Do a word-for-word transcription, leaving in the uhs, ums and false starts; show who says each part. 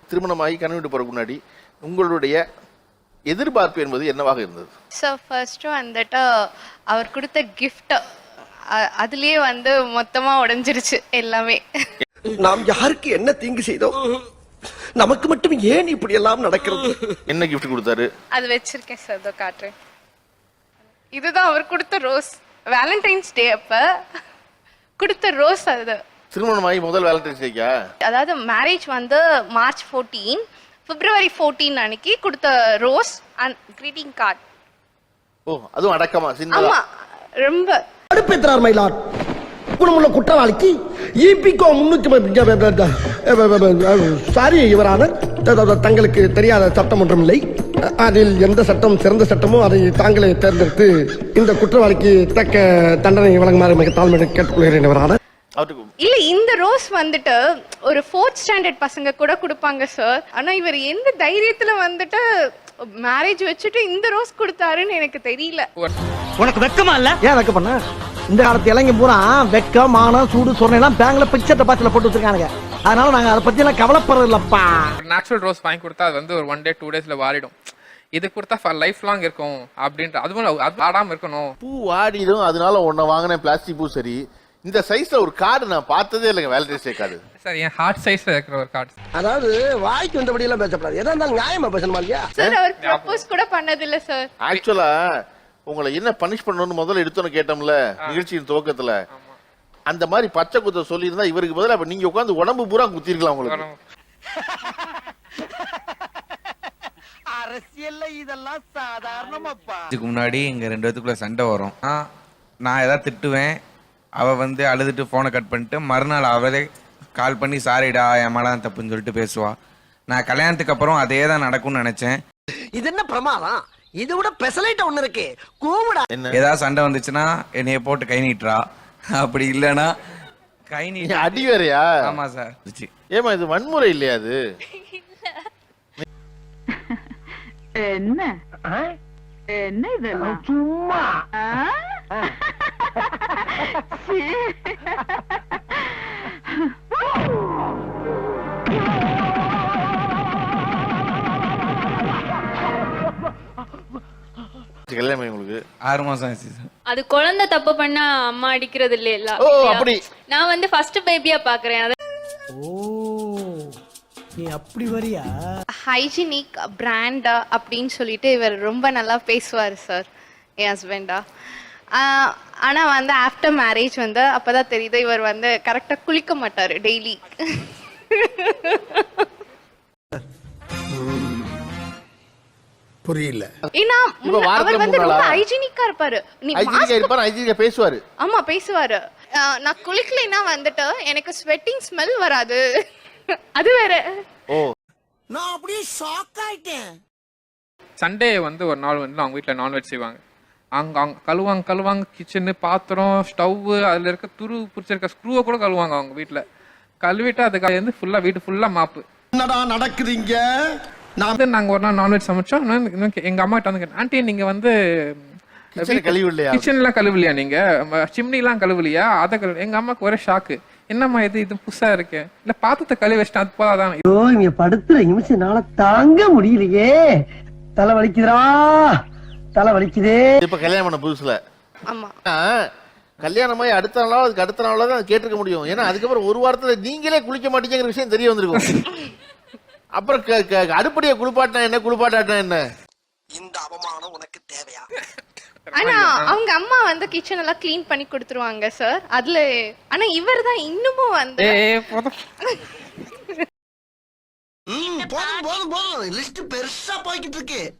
Speaker 1: திருமணமாகி கணவன் வீட்டு போறதுக்கு முன்னாடி உங்களுடைய எதிர்பார்ப்பு என்பது என்னவாக இருந்தது?
Speaker 2: ஸோ ஃபர்ஸ்ட்டு வந்துட்டு அவர் கொடுத்த கிஃப்ட் அதுலயே வந்து மொத்தமா உடைஞ்சிருச்சு எல்லாமே.
Speaker 3: நாம் யாருக்கு என்ன தீங்கு செய்தோம், நமக்கு மட்டும் ஏன் இப்படி எல்லாம் நடக்கிறது?
Speaker 1: என்ன கிஃப்ட் கொடுத்தாரு?
Speaker 2: அது வச்சிருக்கேன் சார், இதோ காட்டுறேன். இதுதான் அவர் கொடுத்த ரோஸ். வேலண்டைன்ஸ் டே அப்ப கொடுத்த ரோஸ் அது.
Speaker 1: திருமணமாகி முதல் வேலண்டைன்ஸ் டேக்கா?
Speaker 2: அதாவது மேரேஜ் வந்து மார்ச் ஃபோர்டீன், பிப்ரவரி ஃபோர்டீன் அன்னைக்கு கொடுத்த ரோஸ் அண்ட் கிரீட்டிங் கார்டு.
Speaker 1: ஓ, அதுவும் அடக்கமா சின்ன?
Speaker 2: ஆமா, ரொம்ப
Speaker 3: அடுப்பேற்றார் மயிலாட் குணமுள்ள குற்றவாளிக்கு ஈபிகோ முன்னூத்தி சாரி இவரான தங்களுக்கு தெரியாத சட்டம் ஒன்றும் இல்லை. அதில் எந்த சட்டம் சிறந்த சட்டமோ அதை தாங்களே தேர்ந்தெடுத்து இந்த குற்றவாளிக்கு தக்க தண்டனை வழங்குமாறு மிக தாழ்மையை கேட்டுக்கொள்கிறேன். இவரான
Speaker 2: இல்ல, இந்த ரோஸ் வந்துட்டு ஒரு ஃபோர்த் ஸ்டாண்டர்ட் பசங்க கூட கொடுப்பாங்க சார். ஆனா இவர் எந்த தைரியத்துல வந்துட்டு மேரேஜ் வச்சுட்டு இந்த ரோஸ் கொடுத்தாருன்னு எனக்கு தெரியல.
Speaker 4: உனக்கு வெக்கமா இல்ல?
Speaker 3: ஏன் வெக்க பண்ண? இந்த காலத்து இளைஞ பூரா வெக்க மானம் சூடு சொன்னெல்லாம் பேங்க்ல பிக்சர் டெபாசிட்ல போட்டு வச்சிருக்கானுங்க. அதனால நாங்க அதை பத்தி எல்லாம் கவலைப்படுறது இல்லப்பா.
Speaker 5: நேச்சுரல் ரோஸ் வாங்கி கொடுத்தா அது வந்து ஒரு ஒன் டே டூ டேஸ்ல வாடிடும். இது கொடுத்தா ஃபார் லைஃப் லாங் இருக்கும் அப்படின்ற. அதுவும் அது ஆடாம இருக்கணும்.
Speaker 1: பூ வாடிடும், அதனால ஒன்ன வாங்கின பிளாஸ்டிக் பூ. சரி, இந்த சைஸ்ல ஒரு கார்டு நான் பார்த்ததே இல்லைங்க, வேலண்டைன்ஸ் டே கார்டு.
Speaker 5: சார் என் ஹார்ட் சைஸ்ல இருக்கிற ஒரு கார்டு.
Speaker 3: அதாவது வாய்க்கு வந்தபடி எல்லாம் பேசப்படாது, எதா இருந்தாலும் நியாயமா பேசணுமா இல்லையா?
Speaker 2: சார் அவர் ப்ரப்போஸ் கூட பண்ணது இல்ல சார்.
Speaker 1: ஆக்சுவலா உங்களை என்ன பனிஷ் பண்ணணும்னு முதல்ல எடுத்தோன்னு கேட்டோம்ல நிகழ்ச்சியின் துவக்கத்துல, அந்த மாதிரி பச்சை குத்த சொல்லி இருந்தா இவருக்கு பதிலா அப்ப நீங்க உட்கார்ந்து உடம்பு பூரா குத்திருக்கலாம் உங்களுக்கு.
Speaker 4: அரசியல்ல இதெல்லாம் சாதாரணமாப்பா.
Speaker 6: இதுக்கு முன்னாடி இங்க ரெண்டு பேத்துக்குள்ள சண்டை வரும். நான் ஏதாவது திட்டுவேன், அவ வந்து அழுதுட்டு போனை கட் பண்ணிட்டு மறுநாள் அவளே கால் பண்ணி சாரிடா என் மேல தான் தப்புன்னு சொல்லிட்டு பேசுவா. நான் கல்யாணத்துக்கு அப்புறம் அதே தான் நடக்கும்னு நினைச்சேன்.
Speaker 3: இது என்ன பிரமாதம்? இது விட பெசலைட் ஒண்ணு இருக்கு, கூவுடா.
Speaker 6: ஏதாவது சண்டை வந்துச்சுன்னா என்னைய போட்டு கை நீட்டுறா, அப்படி இல்லைன்னா கை நீட்டி
Speaker 1: அடி வேறையா?
Speaker 6: ஆமா சார்.
Speaker 1: ஏமா இது வன்முறை இல்லையா? அது
Speaker 7: என்ன என்ன இதெல்லாம்
Speaker 3: சும்மா
Speaker 1: கல்யாணம் உங்களுக்கு
Speaker 6: ஆறு மாசம் ஆச்சு சார்.
Speaker 8: அது குழந்தை தப்பு பண்ணா அம்மா அடிக்கிறது இல்ல.
Speaker 1: ஓ, அப்படி.
Speaker 8: நான் வந்து ஃபர்ஸ்ட் பேபியா பாக்குறேன். அது
Speaker 4: ஓ, நீ அப்படி வரியா?
Speaker 2: ஹைஜீனிக் பிராண்ட் அப்படின்னு சொல்லிட்டு இவர் ரொம்ப நல்லா பேசுவார் சார், என் ஹஸ்பண்டா. ஆனா வந்து ஆஃப்டர் மேரேஜ் வந்து அப்பதான் தெரியுது இவர் வந்து கரெக்டா குளிக்க மாட்டாரு டெய்லி.
Speaker 3: புரியல.
Speaker 2: ஏன்னா அவர் வந்து ரொம்ப ஹைஜீனிக்கா இருப்பாரு. நீ
Speaker 1: ஹைஜீனிக்கா இருப்பாரு, ஹைஜீனிக்கா பேசுவாரு.
Speaker 2: ஆமா, பேசுவாரு. நான் குளிக்கலைன்னா வந்துட்டு எனக்கு ஸ்வெட்டிங் ஸ்மெல் வராது. அது வேற.
Speaker 1: ஓ,
Speaker 3: நான் அப்படியே ஷாக் ஆயிட்டேன்.
Speaker 5: சண்டே வந்து ஒரு நாள் வந்து அவங்க வீட்டில் நான்வெஜ் செய்வாங்க. அங்கே அவங்க கழுவாங்க கழுவாங்க கிச்சனு, பாத்திரம், ஸ்டவ்வு, அதில் இருக்க துரு பிடிச்சிருக்க ஸ்க்ரூவை கூட கழுவாங்க அவங்க வீட்டில். கழுவிட்டு அதுக்காக வந்து ஃபுல்லாக வீட்டு ஃபுல்லாக மாப்பு.
Speaker 3: என்னடா நடக்குதுங்க?
Speaker 5: நான் நாங்கள் ஒரு நாள் நான்வெஜ் சமைச்சோம். எங்கள் அம்மா கிட்ட வந்து கேட்டேன், ஆண்டி நீங்கள் வந்து
Speaker 1: கழுவில்லையா,
Speaker 5: கிச்சன்லாம் கழுவலையா, நீங்கள் சிம்னிலாம் கழுவலையா? அதை கழுவு. எங்கள் அம்மாவுக்கு ஒரே ஷாக்கு, என்னம்மா இது இது புதுசா இருக்கு, இல்ல பாத்திரத்தை கழுவி வச்சிட்டேன் அது போதாதான்.
Speaker 3: ஐயோ, இங்க படுத்துற நிமிஷம்னால தாங்க முடியலையே, தலை வலிக்குதுடா, தலை வலிக்குதே.
Speaker 1: இப்ப கல்யாணம் பண்ண புதுசுல
Speaker 2: ஆமா,
Speaker 1: கல்யாணமாய் அடுத்த நாளோ அதுக்கு அடுத்த நாளோ தான் கேட்டிருக்க முடியும். ஏன்னா அதுக்கப்புறம் ஒரு வாரத்துல நீங்களே குளிக்க மாட்டீங்கிற விஷயம் தெரிய வந்திருக்கும். அப்புறம் அடுப்படியை குளிப்பாட்டினா என்ன, குளிப்பாட்டாட்டினா என்ன?
Speaker 3: இந்த அவமானம் உனக்கு தேவையா?
Speaker 2: ஆனா அவங்க அம்மா வந்து கிச்சன் எல்லாம் கிளீன் பண்ணி கொடுத்துருவாங்க சார். அதுல ஆனா இவர் தான் இன்னமும் வந்து
Speaker 3: போதும் போதும் போதும், லிஸ்ட் பெருசா போய்கிட்டு இருக்கு.